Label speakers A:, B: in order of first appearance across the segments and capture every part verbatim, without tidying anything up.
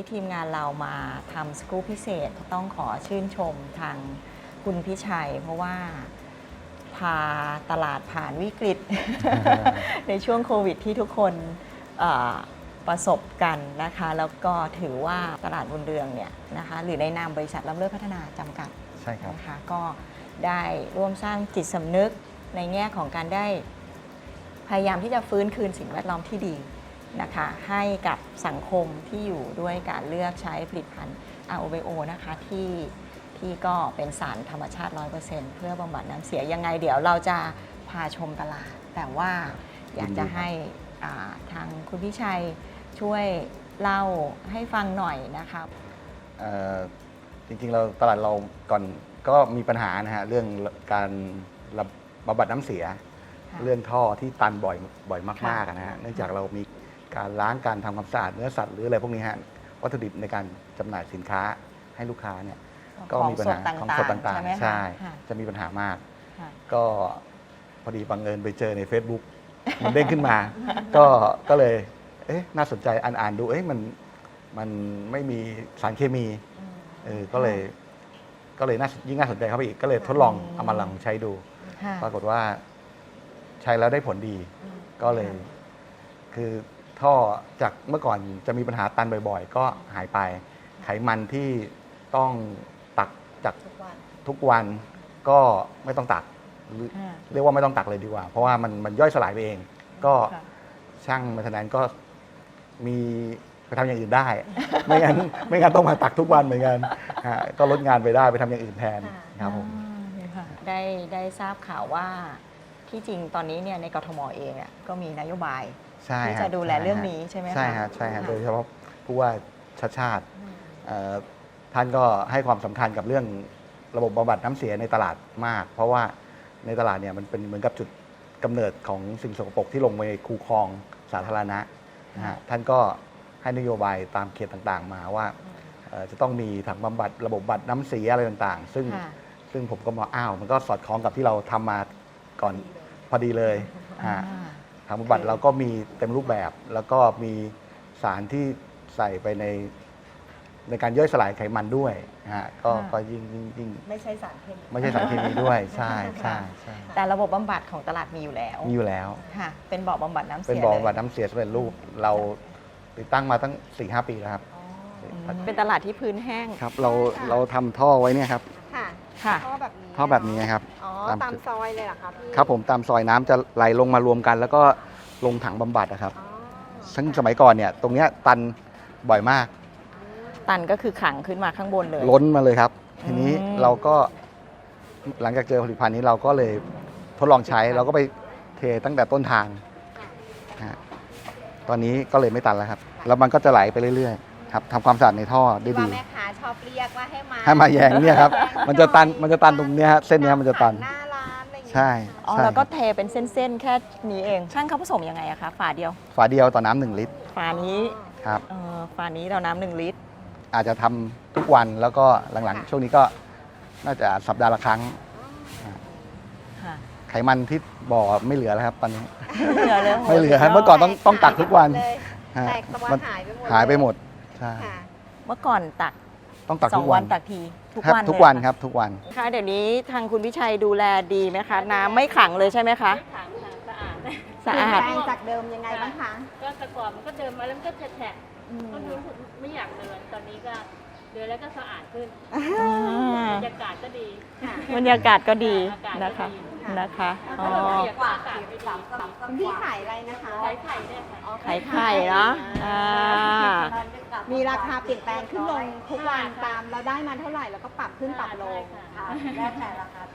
A: ทีมงานเรามาทำสกู๊ปพิเศษต้องขอชื่นชมทางคุณพิชัย เพราะว่าพาตลาดผ่านวิกฤต ในช่วงโควิดที่ทุกคนประสบกันนะคะแล้วก็ถือว่าตลาดบุญเรืองเนี่ยนะคะหรือในนามบริษัทล้ำเลิศพัฒนาจำกัด
B: ใช่ครับ
A: นะคะก็ได้ร่วมสร้างจิตสำนึกในแง่ของการได้พยายามที่จะฟื้นคืนสิ่งแวดล้อมที่ดีนะคะให้กับสังคมที่อยู่ด้วยการเลือกใช้ผลิตภัณฑ์ อาร์ โอ บี โอ นะคะที่ที่ก็เป็นสารธรรมชาติ ร้อยเปอร์เซ็นต์ เพื่อบำบัดน้ำเสียยังไงเดี๋ยวเราจะพาชมตลาดแต่ว่าอยากจะให้ทางคุณพิชัยช่วยเล่าให้ฟังหน่อยนะคะ
B: จริงๆเราตลาดเราก่อนก็มีปัญหานะฮะเรื่องการบำบัดน้ำเสียเรื่องท่อที่ตันบ่อยบ่อยมากๆนะฮะเนื่องจากเรามีการล้างการทำความสะอาดเนื้อสัตว์หรืออะไรพวกนี้ฮะวัตถุดิบในการจำหน่ายสินค้าให้ลูกค้าเนี่ยก็มีปัญหาของสดต่างๆใช่จะมีปัญหามากก็พอดีบังเอิญไปเจอใน Facebook มันเด้งขึ้นมาก็ก็เลยเอ๊ะน่าสนใจอ่านอ่านดูเอ๊ะมันมันไม่มีสารเคมีเออก็เลยก็เลยน่ายิ่งน่าสนใจเข้าไปอีกก็เลยทดลองเอามาลองใช้ดูปรากฏว่าใช้แล้วได้ผลดีก็เลยคือท่อจากเมื่อก่อนจะมีปัญหาตันบ่อยๆก็หายไปไขมันที่ต้องตักจากทุกวันก็ไม่ต้องตักเรียกว่าไม่ต้องตักเลยดีกว่าเพราะว่ามันมันย่อยสลายไปเองก็ช่างมาทนั้นก็มีไปทำอย่างอื่นได้ไม่งั้นไม่งั้นต้องมาตักทุกวันเหมือนกันก็ลดงานไปได้ไปทำอย่างอื่นแทนครับผม
A: ได้ได้ทราบข่าวว่าที่จริงตอนนี้เนี่ยในกทมเองก็มีนโยบายที่จะดูแลเรื่องนี้ใช่ไหมคะ
B: ใช่ฮะใช่ฮะโดยเฉพาะผู้ว่าชัดชาติท่านก็ให้ความสำคัญกับเรื่องระบบบำบัดน้ำเสียในตลาดมากเพราะว่าในตลาดเนี่ยมันเป็นเหมือนกับจุดกำเนิดของสิ่งสกปรกที่ลงไปในคูคลองสาธารณะนะฮะท่านก็ให้นโยบายตามเขตต่างๆมาว่าจะต้องมีถังบำบัดระบบบำบัดน้ำเสียอะไรต่างๆซึ่งซึ่งผมก็มองอ้าวมันก็สอดคล้องกับที่เราทำมาก่อนพอดีเลยถังบำบัดเราก็มีเต็มรูปแบบแล้วก็มีสารที่ใส่ไปในในการย่อยสลายไขมันด้วยฮะก็ก็ยิ่งยิ่ง
A: ไม่ใช่สารเคมี
B: ไม่ใช่สารเคมีด้วยใช่ใช่ใช่
A: แต่ระบบบำบัดของตลาดมีอยู่แล้ว
B: มีอยู่แล้ว
A: ค่ะเป็นบ่อบำบัดน้ำเสีย
B: เป็นบ่อบำบัดน้ำเสียสำเร็จรูปเราติดตั้งมาตั้ง สี่ห้า ปีแล้วครับ
A: เป็นตลาดที่พื้นแห้ง
B: ครับเราเราทำท่อไว้เนี่ยครับ
C: ค่ะท่อแบบนี้
B: ท่อแบบนี้ครับ
C: อ๋อตามซอยเลยเหรอครับพี่
B: ครับผมตามซอยน้ำจะไหลลงมารวมกันแล้วก็ลงถังบำบัดนะครับซึ่งสมัยก่อนเนี่ยตรงเนี้ยตันบ่อยมาก
A: ตันก็คือขังขึ้นมาข้างบนเลย
B: ล้นมาเลยครับทีนี้เราก็หลังจากเจอผลิตภัณฑ์นี้เราก็เลยทดลองใช้เราก็ไปเทตั้งแต่ต้นทางตอนนี้ก็เลยไม่ตันแล้วครับแล้วมันก็จะไหลไปเรื่อยๆครับทำความสะอาดในท่อได้ดี
C: แม่ค้าชอบเรียกว่าให้มา
B: ให้มาแยงเนี่ยครับมันจะตันมันจะตันตรงนี้ฮะเส้นนี้มันจะตัน
C: หน้าร้านอะไรอย่างเงี้ย
B: ใช่
A: อ๋อแล้วก็เทเป็นเส้นๆแค่นี้เองช่างเขาผสมยังไงอะคะฝาเดียว
B: ฝาเดียวต่อน้ำหนึ่งลิตร
A: ฝานี้
B: ครับ
A: ฝานี้ต่อน้ำหนึ่งลิตร
B: อาจจะทำทุกวันแล้วก็หลังๆช่วงนี้ก็น่าจะสัปดาห์ละครั้งไขมันที่บ่อไม่เหลือแล้วครับตอนนี้
A: ไม่เหลือเลย
B: ไม่เหลือครับเมื่อก่อนต้องต้องตักทุกวัน
C: แตกตะวันหายไปหมด
B: หายไปหมดใช่
A: เมื่อก่อนตัก
B: ต้องตักทุกวัน
A: ตักทีทุกวัน
B: ทุกวันครับทุกวัน
A: ค่ะเดี๋ยวนี้ทางคุณวิชัยดูแลดีไหมคะน้ำไม่ขังเลยใช่ไหมคะ
C: ขังสะอาด
A: สะอาด
C: จากเดิมยังไงบ้างคะ
D: ก็แต่ก่อนมันก็เดินมาแล้วก็แฉะก็รู้สึกไม่อยากเดินตอนนี้ก็เดินแล้วก็สะอาดขึ้นบรรยากาศก็ดี
A: บรรยากาศก็ดีนะคะนะคะอ๋อ
C: พี่ขายอะไรนะคะ
D: ขายไข่เนี่ยค่ะ
A: ขายไข่เนาะ
C: มีราคาเปลี่ยนแปลงขึ้นลงทุกวันตามเราได้มาเท่าไหร่แล้วก็ปรับขึ้นปรับลงแล้วแต่ราคา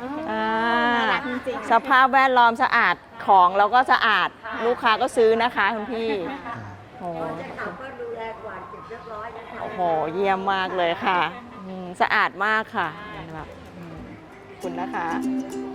A: สภาพแวดล้อมสะอาดของเราก็สะอาดลูกค้าก็ซื้อนะคะคุณพี่โอ้โอ้โหเยี่ยมมากเลยค่ะสะอาดมากค่ะแบบคุณนะคะ